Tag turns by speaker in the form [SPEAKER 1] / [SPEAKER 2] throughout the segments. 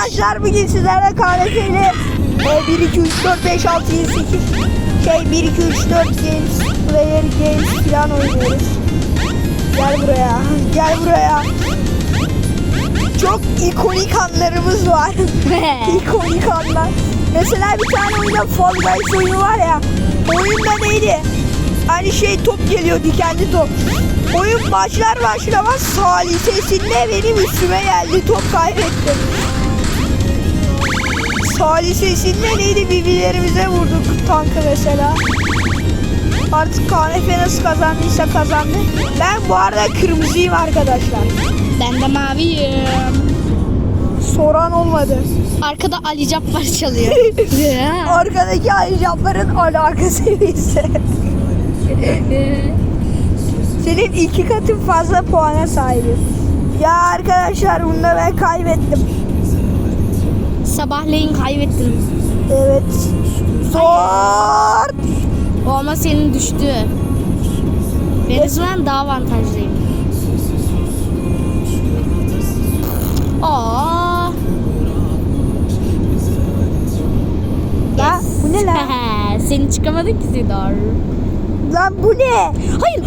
[SPEAKER 1] arkadaşlar bugün sizlerle KNF'yle 1, 2, 3, 4, 5, 6, 7, 8 1, 2, 3, 4 games, player games falan oynuyoruz. Gel buraya, gel buraya. Çok ikonik anlarımız var. İkonik anlar. Mesela bir tane oyunda Fall Guys oyunu var ya. Oyunda neydi? Hani top geliyor, dikenli top. Oyun başlar başlamaz salisesinde benim üstüme geldi. Top kaybettim. Salisesinde neydi? Birbirlerimize vurduk tankı mesela. Artık KNF nasıl kazandıysa kazandı. Ben bu arada kırmızıyım arkadaşlar.
[SPEAKER 2] Ben de maviyim.
[SPEAKER 1] Soran olmadı.
[SPEAKER 2] Arkada Ali Cabbar çalıyor.
[SPEAKER 1] Arkadaki ayıcapların alakası ise. Senin 2 katın fazla puana sahibim. Ya arkadaşlar bunda ben kaybettim.
[SPEAKER 2] Sabahleyin kaybettim.
[SPEAKER 1] Evet. Zor.
[SPEAKER 2] O ama senin düştü. Ben o zaman daha avantajlıyım. Aa.
[SPEAKER 1] Ya bu ne lan?
[SPEAKER 2] Seni çıkamadın ki Sidar.
[SPEAKER 1] Lan bu ne?
[SPEAKER 2] Hayır.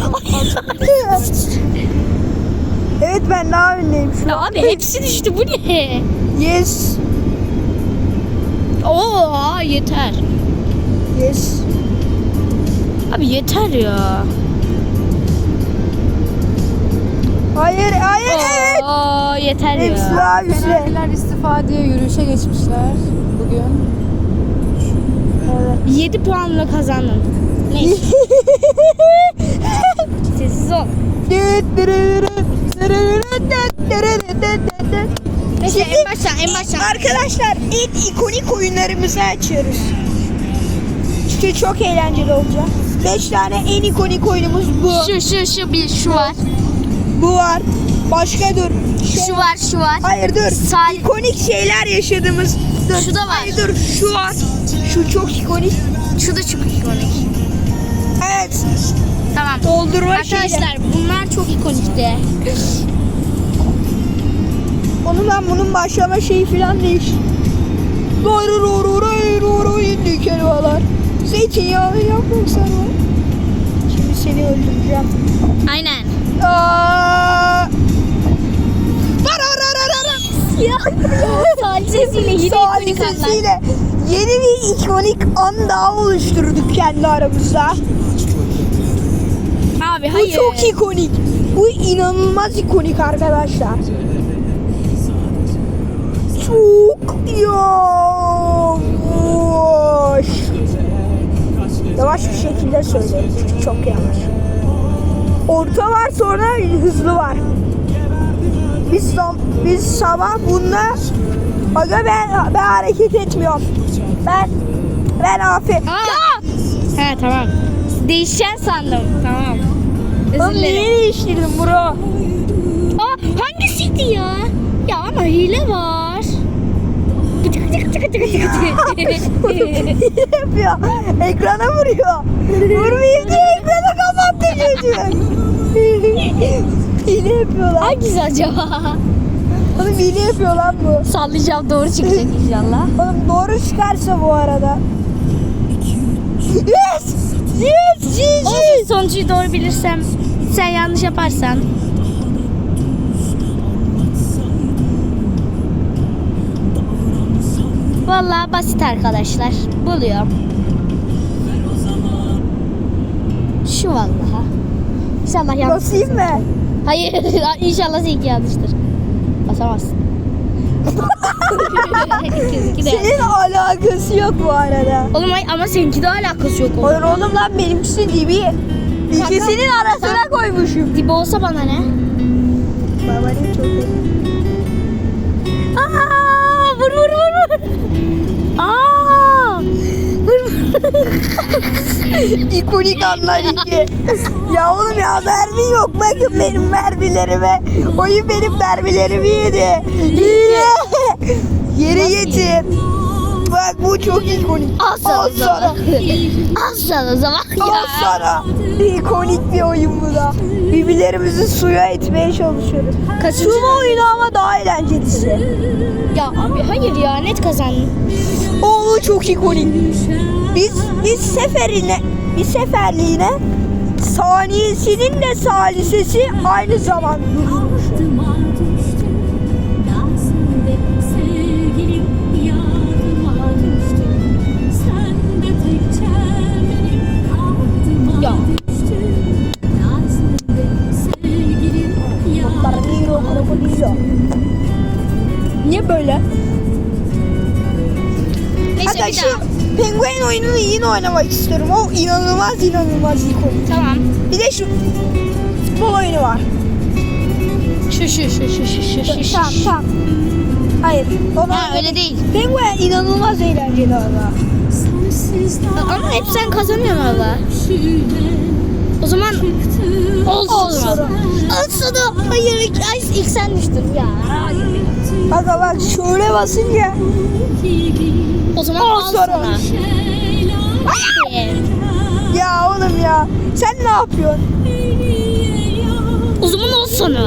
[SPEAKER 1] Evet ben daha öndeyim şu
[SPEAKER 2] Ya
[SPEAKER 1] an.
[SPEAKER 2] abi hepsi düştü. Bu ne?
[SPEAKER 1] Yes.
[SPEAKER 2] Oo yeter.
[SPEAKER 1] Yes.
[SPEAKER 2] Abi yeter ya.
[SPEAKER 1] Hayır hayır evet.
[SPEAKER 2] Oo yeter
[SPEAKER 1] Hepsi
[SPEAKER 2] ya.
[SPEAKER 1] daha güzel.
[SPEAKER 3] Fenerliler istifa diye yürüyüşe geçmişler bugün.
[SPEAKER 1] Evet.
[SPEAKER 2] 7 puanla kazandın. Neyse. Sessiz ol. Neyse en baştan.
[SPEAKER 1] Arkadaşlar en ikonik oyunlarımızı açıyoruz. İşte çok eğlenceli olacak. 5 tane en ikonik oyunumuz bu.
[SPEAKER 2] Şu var.
[SPEAKER 1] Bu var. Başka dur.
[SPEAKER 2] Şu var.
[SPEAKER 1] Hayır dur. İkonik şeyler yaşadığımız. Dur.
[SPEAKER 2] Şu da var.
[SPEAKER 1] Hayır dur. Şu var. Şu çok ikonik.
[SPEAKER 2] Şu da çok ikonik.
[SPEAKER 1] Evet.
[SPEAKER 2] Tamam.
[SPEAKER 1] Doldurma
[SPEAKER 2] Arkadaşlar bunlar çok ikonikti.
[SPEAKER 1] Bunun başlama şeyi falan değiş. Kelimeler. Zeytinyağlı yapmak sana. Şimdi seni öldüreceğim.
[SPEAKER 2] Aynen. Salisesiyle yeni ikonik anlar.
[SPEAKER 1] Salisesiyle yeni bir ikonik an daha oluşturduk kendi aramızda.
[SPEAKER 2] Abi
[SPEAKER 1] Bu
[SPEAKER 2] hayır.
[SPEAKER 1] çok ikonik. Bu inanılmaz ikonik arkadaşlar. Çok yavaş. Yavaş bir şekilde söyleyeyim. Çünkü çok yavaş. Orta var sonra hızlı var. Biz sabah bunda aga ben hareket etmiyorum. Ben aferin.
[SPEAKER 2] He tamam. Değişen sandım. Tamam.
[SPEAKER 1] Oğlum
[SPEAKER 2] Özür
[SPEAKER 1] niye
[SPEAKER 2] dilerim.
[SPEAKER 1] değiştirdin bro?
[SPEAKER 2] Hangisiydi ya? Ya ama hile var.
[SPEAKER 1] Yapıyor. Ekrana vuruyor. Vurmayayım diye ekrana kapattı çocuk. Hile yapıyor lan.
[SPEAKER 2] Hangisi acaba?
[SPEAKER 1] Oğlum hile yapıyor lan bu.
[SPEAKER 2] Sallayacağım doğru çıkacak inşallah.
[SPEAKER 1] Oğlum doğru çıkarsa bu arada. Yes! Yes! GG!
[SPEAKER 2] Olsun sonucu doğru bilirsem sen yanlış yaparsan. Vallahi basit arkadaşlar. Buluyorum. Şu vallahi. İnşallah yanlış.
[SPEAKER 1] Basayım mı?
[SPEAKER 2] Hayır, inşallah seninki yanlıştır. Basamazsın. İkisi de.
[SPEAKER 1] Senin alakası yok bu arada.
[SPEAKER 2] Oğlum ama seninki de alakası yok oğlum.
[SPEAKER 1] Hayır oğlum lan benimkisi dibi. İkisinin arasına koymuşum.
[SPEAKER 2] Dibi olsa bana ne?
[SPEAKER 1] Babanın çok iyi.
[SPEAKER 2] Aa, vur. Aa! Vur.
[SPEAKER 1] İkonik anlar iki. Ya oğlum ya mermi yok. Bakın benim mermilerime. Oyun benim mermilerimi yedi. Yere getir. Bak bak bu çok ikonik.
[SPEAKER 2] Al sana
[SPEAKER 1] Al
[SPEAKER 2] o zaman.
[SPEAKER 1] sana.
[SPEAKER 2] Al sana o zaman.
[SPEAKER 1] Al
[SPEAKER 2] Ya.
[SPEAKER 1] sana. İkonik bir oyun bu da. Birbirlerimizi suya itmeye çalışıyoruz. Sumo oyunu ama daha eğlencelisi.
[SPEAKER 2] Ya abi hayır ya net kazandın.
[SPEAKER 1] O çok ikonik. Biz seferliğine saniyesinin de salisesi aynı zaman durmuş.
[SPEAKER 4] Altıma düştüm, dersimde sevgilim yardıma düştüm. Sen de tek çemenim altıma
[SPEAKER 2] Ya.
[SPEAKER 4] düştüm. Dersimde sevgilim
[SPEAKER 1] Krokodilo, krokodilo. Niye böyle?
[SPEAKER 2] Neyse
[SPEAKER 1] Hatta
[SPEAKER 2] bir
[SPEAKER 1] şu
[SPEAKER 2] daha.
[SPEAKER 1] penguen oyununu yine oynamak istiyorum. O inanılmaz ikonik.
[SPEAKER 2] Tamam.
[SPEAKER 1] Bir de şu futbol oyunu var.
[SPEAKER 2] Şu.
[SPEAKER 1] Tamam. Hayır.
[SPEAKER 2] Ha öyle değil.
[SPEAKER 1] Penguen inanılmaz eğlenceli valla.
[SPEAKER 2] Ama hep sen kazanıyorsun valla. O zaman olsun. Olsun. Hayır ilk sen düştün ya.
[SPEAKER 1] Aga bak şöyle basınca
[SPEAKER 2] O zaman
[SPEAKER 1] Al
[SPEAKER 2] al
[SPEAKER 1] sana.
[SPEAKER 2] sana.
[SPEAKER 1] ya oğlum ya sen ne yapıyorsun?
[SPEAKER 2] O zaman al sana.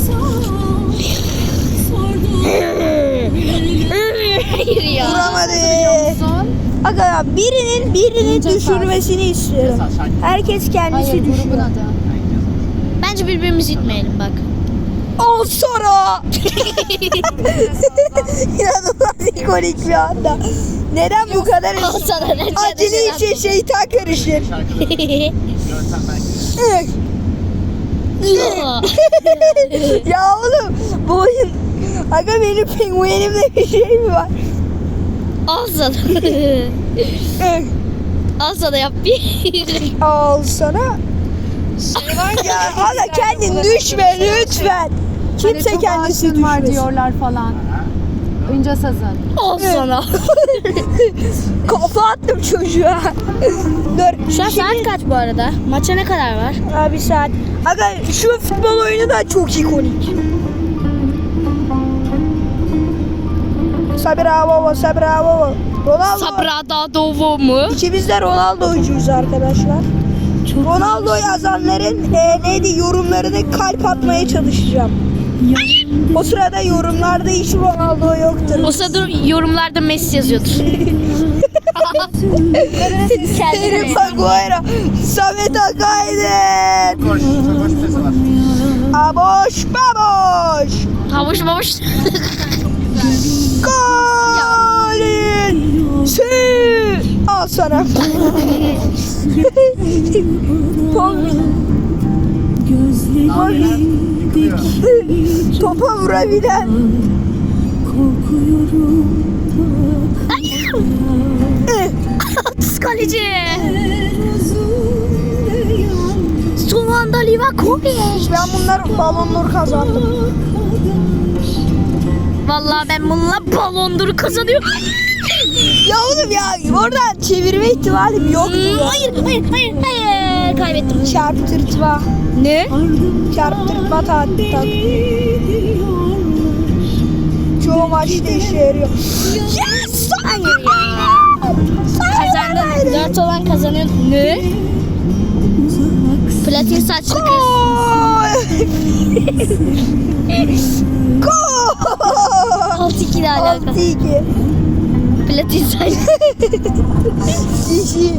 [SPEAKER 2] Hayır ya.
[SPEAKER 1] Vuramadı.
[SPEAKER 3] Son.
[SPEAKER 1] Aga ya birinin
[SPEAKER 3] İnce
[SPEAKER 1] düşürmesini istiyorum. Herkes kendisi
[SPEAKER 3] Hayır grubun
[SPEAKER 1] düşüyor.
[SPEAKER 3] adı.
[SPEAKER 2] Bence birbirimizi itmeyelim bak.
[SPEAKER 1] Al sonra. İnanılmaz ikonik bir anda. Neden bu kadar
[SPEAKER 2] Al sana.
[SPEAKER 1] acele işe şeytan karışır? ya oğlum bu oyun aga benim penguenimde bir şey mi var?
[SPEAKER 2] Al sana. Al sana yap bir.
[SPEAKER 1] Al sana. ya aga kendin düşme lütfen. Kimse
[SPEAKER 3] Hani çok
[SPEAKER 1] kendisi
[SPEAKER 3] aşığın var
[SPEAKER 1] düşmesin.
[SPEAKER 3] diyorlar falan. Önce sazın.
[SPEAKER 2] Al sana.
[SPEAKER 1] Kafa attım çocuğa. Dur.
[SPEAKER 2] Şu an saat kaç bu arada? Maça ne kadar var?
[SPEAKER 1] Abi saat. Aga şu futbol oyunu da çok ikonik. Bravo, bravo. Ronaldo.
[SPEAKER 2] Sabrada Dovo mu?
[SPEAKER 1] İkimiz de Ronaldo'cuyuz arkadaşlar. Ronaldo yazanların neydi yorumlarını kalp atmaya çalışacağım. O sırada yorumlarda hiç Ronaldo yoktur.
[SPEAKER 2] O sırada yorumlarda Messi yazıyordur.
[SPEAKER 1] Harry Maguire, Samet Akaydın. Aboş baboş.
[SPEAKER 2] Havuç mavuç.
[SPEAKER 1] Golün. Al sana. Topa vurabilen.
[SPEAKER 2] Atız kaleci. Son anda Livakovic.
[SPEAKER 1] Ben bunlar balonları kazandım.
[SPEAKER 2] Vallahi ben bununla balondur kazanıyorum.
[SPEAKER 1] Ya oğlum ya oradan çevirme ihtimalim yok.
[SPEAKER 2] Hayır. Kaybettim.
[SPEAKER 1] Çarptırtma.
[SPEAKER 2] Ne?
[SPEAKER 1] Çarptırtma çoğu maçta işe yarıyor. Yes!
[SPEAKER 2] Hayır ya. Kazandın. 4 olan kazanıyor. Ne? Platin saçlı kız.
[SPEAKER 1] Gol!
[SPEAKER 2] 6-2 ile alakalı.
[SPEAKER 1] 6-2.
[SPEAKER 2] Platin saçlı.
[SPEAKER 1] Kişi.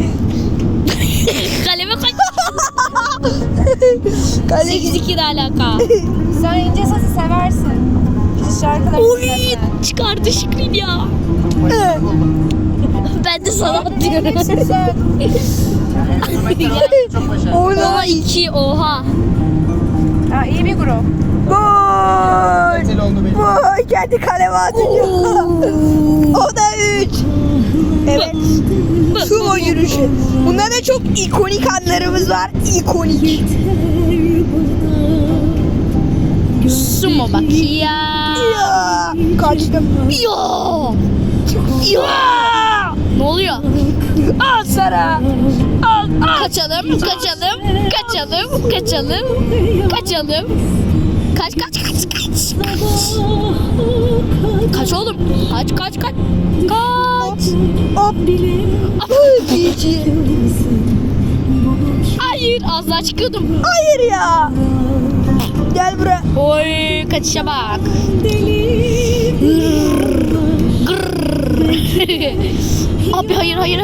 [SPEAKER 2] Kaleme kaç.
[SPEAKER 1] Kale
[SPEAKER 2] 8-2 ile alakalı.
[SPEAKER 3] Sen ince sazı seversin. Şarkıları
[SPEAKER 2] Oy
[SPEAKER 3] dinlersen.
[SPEAKER 2] çıkardı Şükrü ya. Ben de sana atıyorum.
[SPEAKER 1] Oyna.
[SPEAKER 2] Oha 2 oha.
[SPEAKER 3] Ha, iyi bir grup.
[SPEAKER 1] Gol. Gol. Kendi kaleme atıyor. O da 3. Evet. Sumo yürüyüşü. Bunda da çok ikonik anlarımız var. İkonik.
[SPEAKER 2] Sumo bak ya.
[SPEAKER 1] Ya. Kaçtım.
[SPEAKER 2] Ya. Ya. Ne oluyor?
[SPEAKER 1] Al sana. Al.
[SPEAKER 2] Kaçalım. Kaç oğlum. Kaç.
[SPEAKER 1] Hop. GG.
[SPEAKER 2] Hayır, az daha çıkıyordum.
[SPEAKER 1] Hayır ya. Gel buraya.
[SPEAKER 2] Oy, kaçışa bak. Abi hayır. Hayır.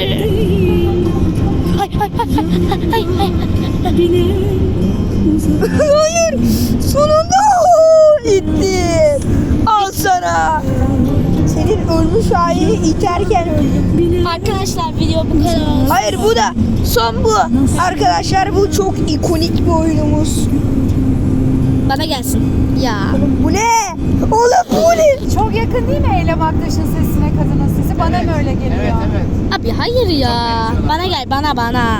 [SPEAKER 1] Hayır. Sonunda gittim. Al sana. Senin ölmüş halini iterken öldüm.
[SPEAKER 2] Arkadaşlar video bu kadar.
[SPEAKER 1] Hayır bu da son bu. Arkadaşlar bu çok ikonik bir oyunumuz.
[SPEAKER 2] Bana gelsin. Ya.
[SPEAKER 1] Bu ne? Oğlum bu ne?
[SPEAKER 3] Çok yakın değil mi Eylem Aktaş'ın sesine kadının sesi? Bana mı öyle geliyor?
[SPEAKER 2] Abi hayır ya. Bana gel bana.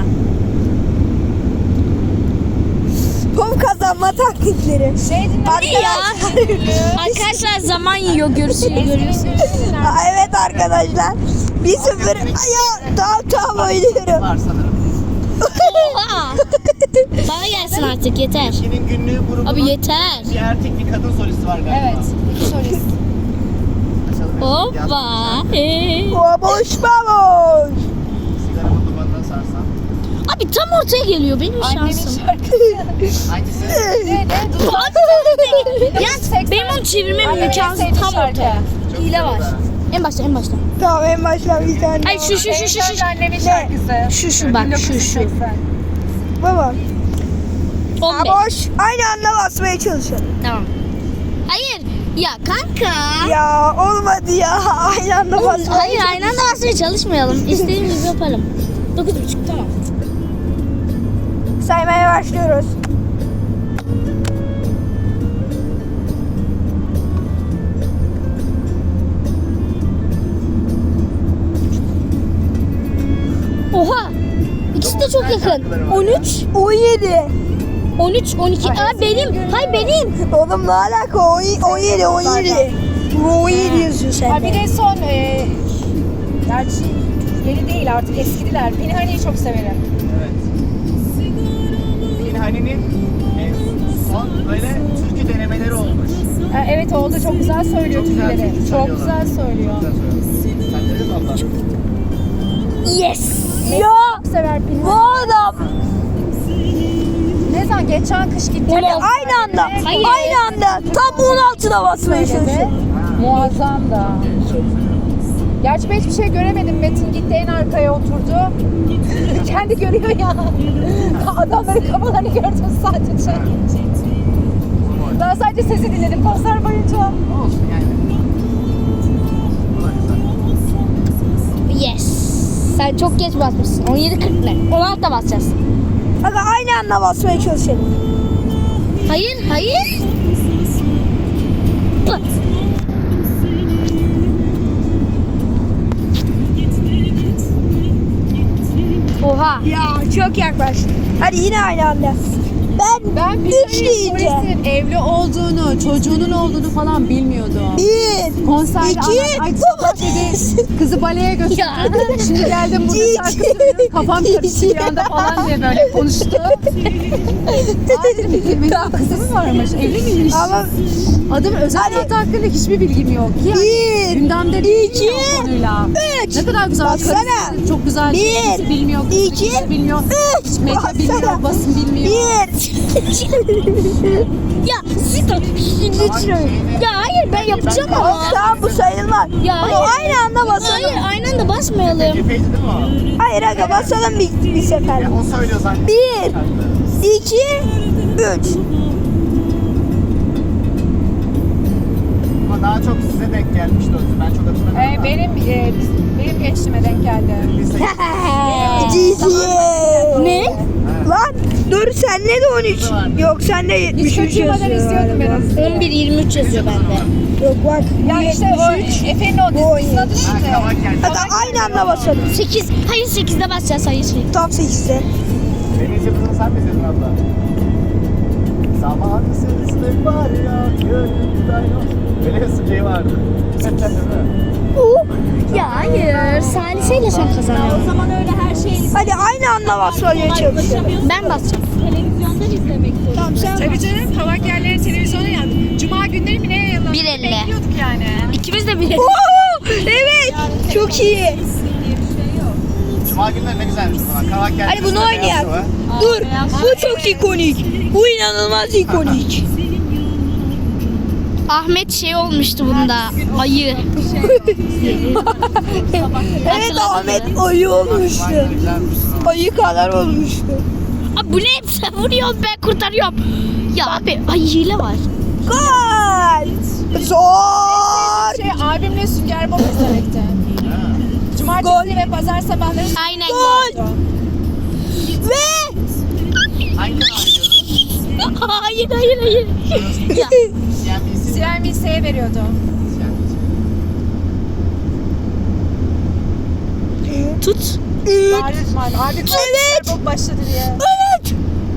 [SPEAKER 1] Top kazanma taktikleri.
[SPEAKER 2] Arkadaşlar zaman yiyor görüyorsunuz.
[SPEAKER 1] Aa, evet arkadaşlar. 1-0. Ya tamam oynuyorum.
[SPEAKER 5] Var sanırım.
[SPEAKER 2] Oha. Bana gelsin artık yeter.
[SPEAKER 5] Kimin günlüğü grubunun
[SPEAKER 2] Abi yeter.
[SPEAKER 5] bir erkek bir kadın solisti var galiba.
[SPEAKER 3] Evet. Solist.
[SPEAKER 5] Açalım.
[SPEAKER 2] Hoppa.
[SPEAKER 1] Baboş baboş.
[SPEAKER 5] Sigaramın dumanına sarsam.
[SPEAKER 2] Abi tam ortaya geliyor benim
[SPEAKER 3] Annemin
[SPEAKER 2] şansım.
[SPEAKER 3] şarkısı.
[SPEAKER 5] Hangisi?
[SPEAKER 2] Ya benim onu çevirmem
[SPEAKER 3] Annemin en
[SPEAKER 2] imkansız
[SPEAKER 3] sevdiği
[SPEAKER 2] tam
[SPEAKER 3] şarkı.
[SPEAKER 2] ortaya. Hile var. En başta.
[SPEAKER 1] Tamam en başta bir tane.
[SPEAKER 2] Ay şu.
[SPEAKER 3] En şarkı annemin şarkısı.
[SPEAKER 2] Şu bak şu.
[SPEAKER 3] 1980.
[SPEAKER 1] Baba.
[SPEAKER 2] 15.
[SPEAKER 1] Baboş. Aynı anda basmaya çalışalım.
[SPEAKER 2] Tamam. Hayır. Ya kanka.
[SPEAKER 1] Ya olmadı ya. Aynı anda
[SPEAKER 2] Oğlum,
[SPEAKER 1] basmaya
[SPEAKER 2] hayır aynı anda basmaya çalışmayalım. İstediğimiz gibi yapalım. 9.5 tamam.
[SPEAKER 1] Saymaya başlıyoruz.
[SPEAKER 2] Oha. İkisi de çok yakın. 13,
[SPEAKER 1] 17.
[SPEAKER 2] 13, 12. Aa benim. Hay benim.
[SPEAKER 1] Oğlum ne alaka? 17. Bu 17 yazıyor
[SPEAKER 3] Ha bir
[SPEAKER 1] sende.
[SPEAKER 3] de son gerçi yeni değil artık eskidiler. Pinhani'yi çok severim.
[SPEAKER 5] Evet. Pinhani'nin son böyle türkü denemeleri olmuş.
[SPEAKER 3] Ha, evet oldu çok güzel söylüyor
[SPEAKER 5] Çok güzel
[SPEAKER 3] türküleri.
[SPEAKER 5] türkü
[SPEAKER 3] Çok
[SPEAKER 5] söylüyorlar.
[SPEAKER 3] güzel söylüyor.
[SPEAKER 5] Güzel söylüyor. Sen dedin mi abla?
[SPEAKER 2] Yes.
[SPEAKER 1] Ya
[SPEAKER 3] Çok sever
[SPEAKER 1] bu
[SPEAKER 3] Pinhani.
[SPEAKER 1] adam.
[SPEAKER 3] Ne zaman geçen kış gitti.
[SPEAKER 1] Aynı anda.
[SPEAKER 2] Hayır.
[SPEAKER 1] Aynı anda. Tam 16'da basmaya çalışıyor.
[SPEAKER 3] Muazzam da. Gerçi ben hiçbir şey göremedim. Metin gitti en arkaya oturdu. Kendi görüyor ya. Adamların kafalarını gördüm sadece. Ben sadece sesi dinledim konser boyunca.
[SPEAKER 5] Olsun yani. Bu da güzel.
[SPEAKER 2] Yes. Sen çok geç basmışsın. 17.40 ne? 16'da basacağız.
[SPEAKER 1] Aga aynı anda basmaya çalışalım.
[SPEAKER 2] Hayır. Pıt. Oha.
[SPEAKER 1] Ya çok yaklaştı. Hadi yine aynı anda. Ben 3 deyince.
[SPEAKER 3] Polis'in evli olduğunu, çocuğunun olduğunu falan bilmiyordum.
[SPEAKER 1] 1,
[SPEAKER 3] Konserde
[SPEAKER 1] 2,
[SPEAKER 3] ay
[SPEAKER 1] domates.
[SPEAKER 3] kızı baleye götürdüm.
[SPEAKER 2] Ya.
[SPEAKER 3] Şimdi geldim burada
[SPEAKER 1] Cici.
[SPEAKER 3] şarkı söylüyorum. Kafam karıştı bir anda falan diye böyle konuştu. Benim kızı mı varmış? Evli miymiş?
[SPEAKER 1] Ama
[SPEAKER 3] Adım özel
[SPEAKER 1] Hadi.
[SPEAKER 3] hayatı hakkında hiçbir bilgim yok.
[SPEAKER 1] Bir,
[SPEAKER 3] gündemde değil
[SPEAKER 1] iki,
[SPEAKER 3] ya o konuyla.
[SPEAKER 1] 3.
[SPEAKER 3] Ne kadar güzel.
[SPEAKER 1] Baksana.
[SPEAKER 3] Karısı çok güzel.
[SPEAKER 1] Bir,
[SPEAKER 3] Kimse bilmiyor.
[SPEAKER 1] iki,
[SPEAKER 3] kimse bilmiyor.
[SPEAKER 1] 3.
[SPEAKER 3] Hiç medya bilmiyor. Basın bilmiyor.
[SPEAKER 1] 1.
[SPEAKER 2] Ya siz de lütfen. Ya hayır ben yapacağım ama.
[SPEAKER 1] Tamam bu sayılmaz.
[SPEAKER 2] Ya
[SPEAKER 1] Ama
[SPEAKER 2] hayır.
[SPEAKER 1] aynı anda basalım.
[SPEAKER 2] Hayır aynı anda basmayalım.
[SPEAKER 5] Cephe'ydi değil mi o?
[SPEAKER 1] Hayır aga basalım bir sefer.
[SPEAKER 5] Ya o söylüyor zaten.
[SPEAKER 1] 1, 2, 3.
[SPEAKER 5] Ama daha çok size denk gelmişti o. Ben çok hatırlamıyorum. ama.
[SPEAKER 3] Benim gençliğime denk geldi.
[SPEAKER 5] Lise-
[SPEAKER 1] Cici.
[SPEAKER 2] Ne?
[SPEAKER 1] Lan dur sende de 13. Yok sende
[SPEAKER 3] Hiç
[SPEAKER 1] 73
[SPEAKER 3] kaçırmadan
[SPEAKER 1] yazıyor.
[SPEAKER 3] izliyordum ben aslında.
[SPEAKER 2] 11-23 yazıyor bende.
[SPEAKER 1] Yok bak.
[SPEAKER 3] Ya işte o Efe'nin o
[SPEAKER 1] Bu
[SPEAKER 3] dizisinin adı
[SPEAKER 5] Ha,
[SPEAKER 3] neydi?
[SPEAKER 5] kavak geldi.
[SPEAKER 1] Aga aynı anda basalım.
[SPEAKER 2] 8. Hayır 8'de basacağız hayır.
[SPEAKER 1] Tam 8'de.
[SPEAKER 5] Deniz Yıldız'ın sen mi izledin abla? Zamansızlık var ya gönlümden yok. Öyle bir şey vardı. Değil mi?
[SPEAKER 2] Ya hayır. Saliseyle son kazanıyor.
[SPEAKER 4] O zaman öyle her şeyi
[SPEAKER 1] Hadi aynı anda basmaya çalışalım.
[SPEAKER 2] Ben basacağım.
[SPEAKER 4] televizyondan izlemek zorunda.
[SPEAKER 1] Tamam sen
[SPEAKER 3] Tabii canım kavak yerleri televizyona yandı. Cuma günleri mi ne yayınlandı?
[SPEAKER 2] 1.50.
[SPEAKER 3] Bekliyorduk yani.
[SPEAKER 2] İkimiz de bir.
[SPEAKER 1] Oo, evet. Çok iyi.
[SPEAKER 5] Cuma günleri ne güzelmiş falan. Kavak geldi.
[SPEAKER 1] Hadi bunu oynayalım. Dur. Bu çok ikonik. Bu inanılmaz ikonik.
[SPEAKER 2] Ahmet şey olmuştu bunda. Ayı.
[SPEAKER 1] Evet Ahmet ayı olmuştu. Ayı kadar olmuştu.
[SPEAKER 2] Abi bu ne? Sen vuruyorsun ben kurtarıyorum. Ya abi ay hile var.
[SPEAKER 1] Gol. Zor.
[SPEAKER 3] Abimle Sünger Bob izlemekte. Cumartesi ve pazar sabahları
[SPEAKER 2] Aynen.
[SPEAKER 1] Gol. Ve
[SPEAKER 5] Hangi kanal veriyorsun?
[SPEAKER 2] hayır. Ya.
[SPEAKER 5] CNBC.
[SPEAKER 3] CNBC'ye veriyordu.
[SPEAKER 2] Tut.
[SPEAKER 3] Abi
[SPEAKER 1] Evet.
[SPEAKER 3] Sünger Bob başladı diye.
[SPEAKER 1] Evet.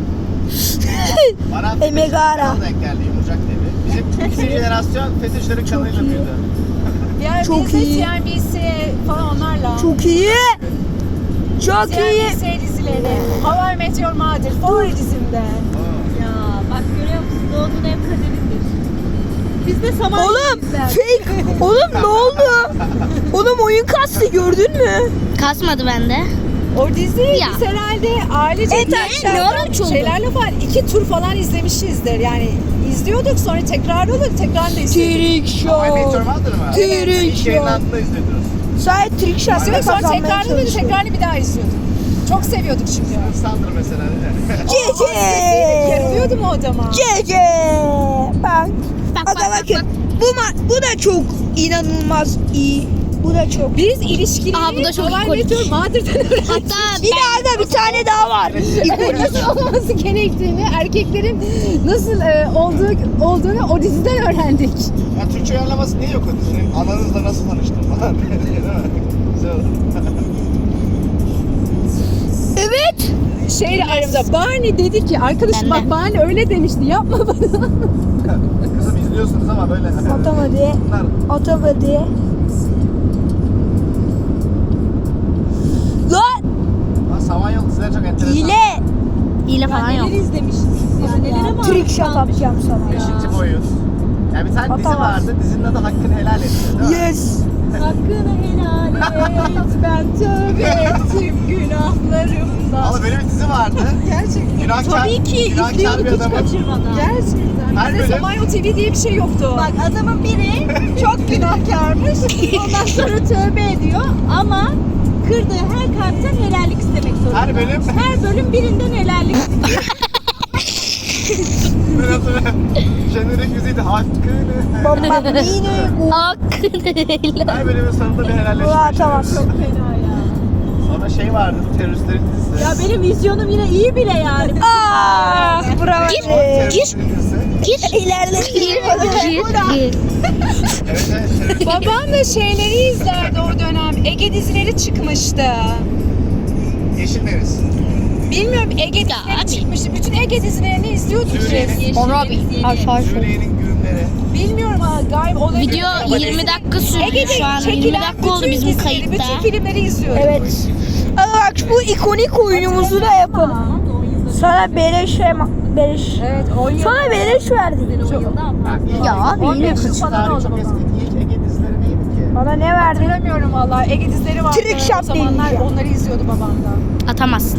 [SPEAKER 5] Bana
[SPEAKER 1] Emegara.
[SPEAKER 5] kanal denk geldi. Yumurcak TV. Bizim ikinci jenerasyon FETÖ'cülerin kanalıyla büyüdü.
[SPEAKER 3] Bir ara
[SPEAKER 1] Çok
[SPEAKER 3] biz de
[SPEAKER 1] iyi.
[SPEAKER 3] CNBC falan onlarla.
[SPEAKER 1] Çok iyi. Çok iyi.
[SPEAKER 3] CNBC dizileri. How I Met Your Mother favori dizimde.
[SPEAKER 4] Ya bak görüyor musun? Doğduğun ev kaderindir. Biz de saman
[SPEAKER 1] Oğlum
[SPEAKER 4] izler.
[SPEAKER 1] fake. Oğlum ne oldu? Oğlum oyun kastı gördün mü?
[SPEAKER 2] Kasmadı bende.
[SPEAKER 3] O diziyi
[SPEAKER 2] Ya.
[SPEAKER 3] biz herhalde ailece
[SPEAKER 1] Evet,
[SPEAKER 2] ne ara üç oldu?
[SPEAKER 3] şeylerle falan 2 tur falan izlemişizdir. Yani izliyorduk sonra tekrar olur tekrar da izliyorduk.
[SPEAKER 1] Trick
[SPEAKER 5] Ama Meteor
[SPEAKER 1] show.
[SPEAKER 5] Mother mı?
[SPEAKER 1] Trick
[SPEAKER 5] İlk
[SPEAKER 1] show.
[SPEAKER 5] yayınlandığında izliyordunuz.
[SPEAKER 1] Sadece trick shot'la
[SPEAKER 3] İzliyorduk sonra
[SPEAKER 1] kazanmaya
[SPEAKER 3] tekrarını böyle
[SPEAKER 1] çalışıyor.
[SPEAKER 3] tekrarını bir daha izliyorduk. Çok seviyorduk çünkü.
[SPEAKER 5] Sandır mesela.
[SPEAKER 1] Cece.
[SPEAKER 3] Yarılıyordu mu odama?
[SPEAKER 1] Cece. Bak.
[SPEAKER 2] Bak,
[SPEAKER 1] Aga
[SPEAKER 2] bak,
[SPEAKER 1] bakın. Bu da çok inanılmaz iyi. Bu da çok.
[SPEAKER 3] Biz ilişkileri
[SPEAKER 2] Aa, bu da çok
[SPEAKER 3] How I
[SPEAKER 2] ikonik.
[SPEAKER 3] Met Your Mother'dan öğrendik.
[SPEAKER 2] Hatta
[SPEAKER 1] Bir daha da bir tane daha var.
[SPEAKER 3] Nasıl olması gerektiğini, erkeklerin nasıl olduğunu o diziden öğrendik.
[SPEAKER 5] Ya Türkçe uyarlaması niye yok o dizinin? Ananızla nasıl tanıştın falan. Değil mi? Güzel olur.
[SPEAKER 1] Evet.
[SPEAKER 3] Şeyle aramda Barney dedi ki arkadaşım
[SPEAKER 2] Ben de.
[SPEAKER 3] bak Barney öyle demişti yapma bana.
[SPEAKER 5] Kızım izliyorsunuz ama böyle.
[SPEAKER 1] Atamadı.
[SPEAKER 5] Bunlar
[SPEAKER 1] Atamadı. Lan
[SPEAKER 5] Samanyolu dizileri çok enteresan.
[SPEAKER 1] hile.
[SPEAKER 2] hile falan yok.
[SPEAKER 4] Neler izlemişiz biz ya. Nelere maruz
[SPEAKER 1] Trick shot
[SPEAKER 4] kalmışız.
[SPEAKER 1] atacağım sana.
[SPEAKER 5] Beşinci boyut. Yani bir tane dizi
[SPEAKER 1] Atamaz.
[SPEAKER 5] vardı. Dizinin adı Hakkını Helal Et. Değil mi?
[SPEAKER 1] Yes.
[SPEAKER 4] Hakkını helal et.
[SPEAKER 3] Ben tövbe ettim günahlarımdan.
[SPEAKER 5] Ama böyle bir dizi vardı.
[SPEAKER 3] Gerçekten.
[SPEAKER 5] Günahkar,
[SPEAKER 4] Tabii ki
[SPEAKER 5] günahkar bir
[SPEAKER 4] izliyorduk hiç
[SPEAKER 5] adamın.
[SPEAKER 4] kaçırmadan.
[SPEAKER 3] Gerçekten.
[SPEAKER 5] Her
[SPEAKER 3] Bizde
[SPEAKER 5] bölüm-
[SPEAKER 3] Samanyolu TV diye bir şey yoktu.
[SPEAKER 4] Bak adamın biri çok günahkarmış. Ondan sonra tövbe ediyor ama kırdığı her kalpten helallik istemek zorunda.
[SPEAKER 5] Her bölüm-
[SPEAKER 4] Her bölüm birinden helallik istiyor.
[SPEAKER 5] Ben hatırlıyorum. Jenerik müziğiydi. Hakkını.
[SPEAKER 1] Bambino.
[SPEAKER 2] Hakkını helal.
[SPEAKER 5] Her bölümün sonunda bir helalleşme.
[SPEAKER 1] Bu atamaz.
[SPEAKER 4] Çok fena ya.
[SPEAKER 5] Sonra şey vardı. Teröristlerin dizisi.
[SPEAKER 4] Ya benim vizyonum yine iyi bile yani.
[SPEAKER 1] Ah bravo.
[SPEAKER 5] Teröristlerin dizisi.
[SPEAKER 1] İlerle.
[SPEAKER 2] Gir.
[SPEAKER 5] Evet evet.
[SPEAKER 3] Babam da şeyleri izlerdi o dönem. Ege dizileri çıkmıştı.
[SPEAKER 5] Yeşil Deniz.
[SPEAKER 3] Bilmiyorum Ege dizileri
[SPEAKER 2] abi.
[SPEAKER 3] çıkmıştı. Bütün Ege dizilerini izliyorduk
[SPEAKER 5] Suriye'nin-
[SPEAKER 3] biz.
[SPEAKER 5] Suriye'nin güğümleri.
[SPEAKER 3] Bilmiyorum ha galiba olabilir.
[SPEAKER 2] Video
[SPEAKER 3] Ama
[SPEAKER 2] 20
[SPEAKER 3] dizi-
[SPEAKER 2] dakika sürdü
[SPEAKER 3] Ege'de
[SPEAKER 2] şu an. 20
[SPEAKER 3] çekilen
[SPEAKER 2] dakika oldu
[SPEAKER 3] bütün
[SPEAKER 2] bizim
[SPEAKER 3] dizileri,
[SPEAKER 2] kayıtta.
[SPEAKER 3] Bütün filmleri izliyorduk.
[SPEAKER 1] Evet. Ama bak bu ikonik oyunumuzu da yapalım.
[SPEAKER 4] Tamam da 10 yılda
[SPEAKER 1] Sana beleş beleş.
[SPEAKER 3] Evet 10 yıl.
[SPEAKER 1] Sana beleş verdim.
[SPEAKER 4] ben 10 yılda ama.
[SPEAKER 1] Ya abi yine
[SPEAKER 3] yıl
[SPEAKER 1] kız.
[SPEAKER 3] falan
[SPEAKER 5] Tarihi
[SPEAKER 3] oldu
[SPEAKER 5] çok
[SPEAKER 3] baba.
[SPEAKER 5] eski. İlk Ege dizileri neydi ki?
[SPEAKER 1] Bana ne verdin?
[SPEAKER 3] Hatırlamıyorum valla. Ege dizileri vardı.
[SPEAKER 1] Trick shot
[SPEAKER 3] O zamanlar
[SPEAKER 1] deneyeceğim.
[SPEAKER 3] onları izliyordu babam da.
[SPEAKER 2] Atamazsın.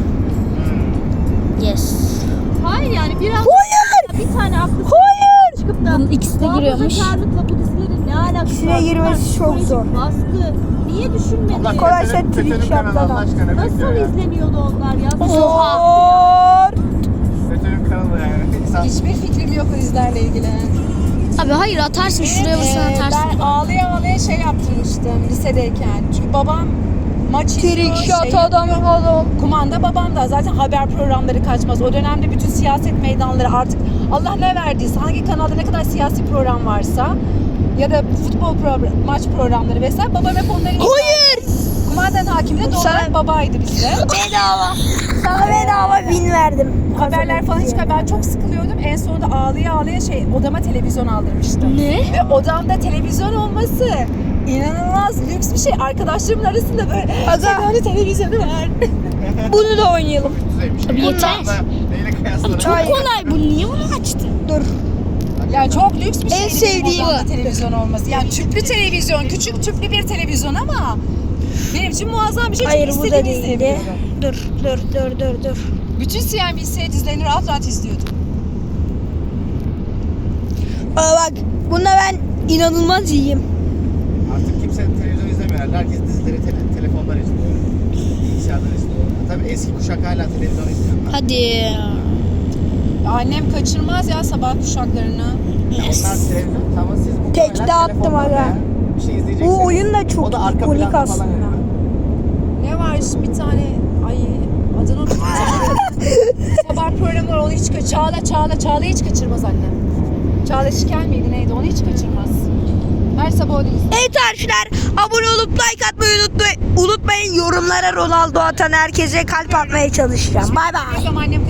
[SPEAKER 2] Yes.
[SPEAKER 4] Hayır yani biraz
[SPEAKER 1] Hayır.
[SPEAKER 4] bir tane aklı
[SPEAKER 1] Hayır.
[SPEAKER 4] çıkıp da
[SPEAKER 2] Bunun ikisi de giriyormuş.
[SPEAKER 4] muhafazakarlıkla bu dizilerin ne alakası
[SPEAKER 1] İkisine
[SPEAKER 4] var?
[SPEAKER 1] girmesi
[SPEAKER 4] Bunlar
[SPEAKER 1] çok
[SPEAKER 4] psikolojik
[SPEAKER 1] zor.
[SPEAKER 4] Baskı. Niye düşünmedin?
[SPEAKER 5] Allah
[SPEAKER 1] Kolay
[SPEAKER 5] FETÖ'nün-
[SPEAKER 1] trick
[SPEAKER 5] FETÖ'nün
[SPEAKER 1] shot'tan
[SPEAKER 5] kanalı Allah
[SPEAKER 1] al.
[SPEAKER 5] aşkına ne
[SPEAKER 4] Nasıl
[SPEAKER 5] bekliyor ya?
[SPEAKER 4] izleniyordu onlar ya?
[SPEAKER 1] Zor.
[SPEAKER 5] FETÖ'nün kanalı yani. İnsan
[SPEAKER 3] Hiçbir fikrim yok o dizilerle ilgili.
[SPEAKER 2] Abi hayır atarsın şuraya vursan atarsın.
[SPEAKER 3] Ben ağlaya ağlaya şey yaptırmıştım lisedeyken. Çünkü babam maç izliyor,
[SPEAKER 1] Trick shot
[SPEAKER 3] şey
[SPEAKER 1] adam
[SPEAKER 3] yapıyor.
[SPEAKER 1] adam.
[SPEAKER 3] Kumanda babam da zaten haber programları kaçmaz. O dönemde bütün siyaset meydanları artık Allah ne verdiyse hangi kanalda ne kadar siyasi program varsa ya da futbol maç programları vesaire babam hep onları izler.
[SPEAKER 1] Hayır.
[SPEAKER 3] Kumandanın hakimi de doğal olarak babaydı bizde.
[SPEAKER 1] Bedava. Sana bedava bin verdim.
[SPEAKER 3] Haberler falan çıkar. Ben çok sıkılıyordum. En sonunda ağlaya ağlaya odama televizyon aldırmıştım.
[SPEAKER 2] Ne?
[SPEAKER 3] Ve odamda televizyon olması inanılmaz lüks bir şey. Arkadaşlarımın arasında böyle
[SPEAKER 1] Aga.
[SPEAKER 3] televizyonu var.
[SPEAKER 1] Bunu da oynayalım.
[SPEAKER 5] düzeymiş.
[SPEAKER 2] Abi yeter.
[SPEAKER 5] Neyle kıyaslanır?
[SPEAKER 2] Çok
[SPEAKER 1] Hayır.
[SPEAKER 2] kolay bu. Niye bunu açtın?
[SPEAKER 1] Dur.
[SPEAKER 3] Ya çok lüks bir şey.
[SPEAKER 1] En sevdiğim
[SPEAKER 3] odamda televizyon olması. Yani tüplü televizyon, küçük tüplü bir televizyon ama benim için muazzam bir şey.
[SPEAKER 1] Hayır
[SPEAKER 3] Çünkü
[SPEAKER 1] bu da
[SPEAKER 3] istediğimi
[SPEAKER 1] değildi.
[SPEAKER 3] izleyebiliyorum.
[SPEAKER 1] Dur.
[SPEAKER 3] Bütün CNBC dizilerini rahat rahat izliyordum.
[SPEAKER 1] Aa bak bunda ben inanılmaz iyiyim.
[SPEAKER 5] Artık kimse televizyon izlemiyor. Herkes dizileri telefondan izliyor. Bilgisayardan izliyor. Tabii eski kuşak hala televizyon izliyorlar.
[SPEAKER 2] Hadi.
[SPEAKER 3] Annem kaçırmaz ya sabah kuşaklarını.
[SPEAKER 5] Onlar televizyon tamam siz bu
[SPEAKER 1] Tekte
[SPEAKER 5] hala
[SPEAKER 1] attım
[SPEAKER 5] telefondan
[SPEAKER 1] aga.
[SPEAKER 5] ya. Bir şey izleyeceksiniz.
[SPEAKER 1] Bu oyun da çok
[SPEAKER 5] O da arka
[SPEAKER 1] ikonik
[SPEAKER 5] planda falan
[SPEAKER 1] aslında.
[SPEAKER 5] yani.
[SPEAKER 3] Ne var bir tane ay adını unuttum. Sabah programı var onu hiç Çağla hiç kaçırmaz annem. Çağla Şikel miydi neydi onu hiç kaçırmaz. Her sabah onu izler.
[SPEAKER 1] Evet arkadaşlar abone olup like atmayı unutmayın. Yorumlara Ronaldo atan herkese kalp atmaya çalışacağım. Bay bay.
[SPEAKER 3] Annem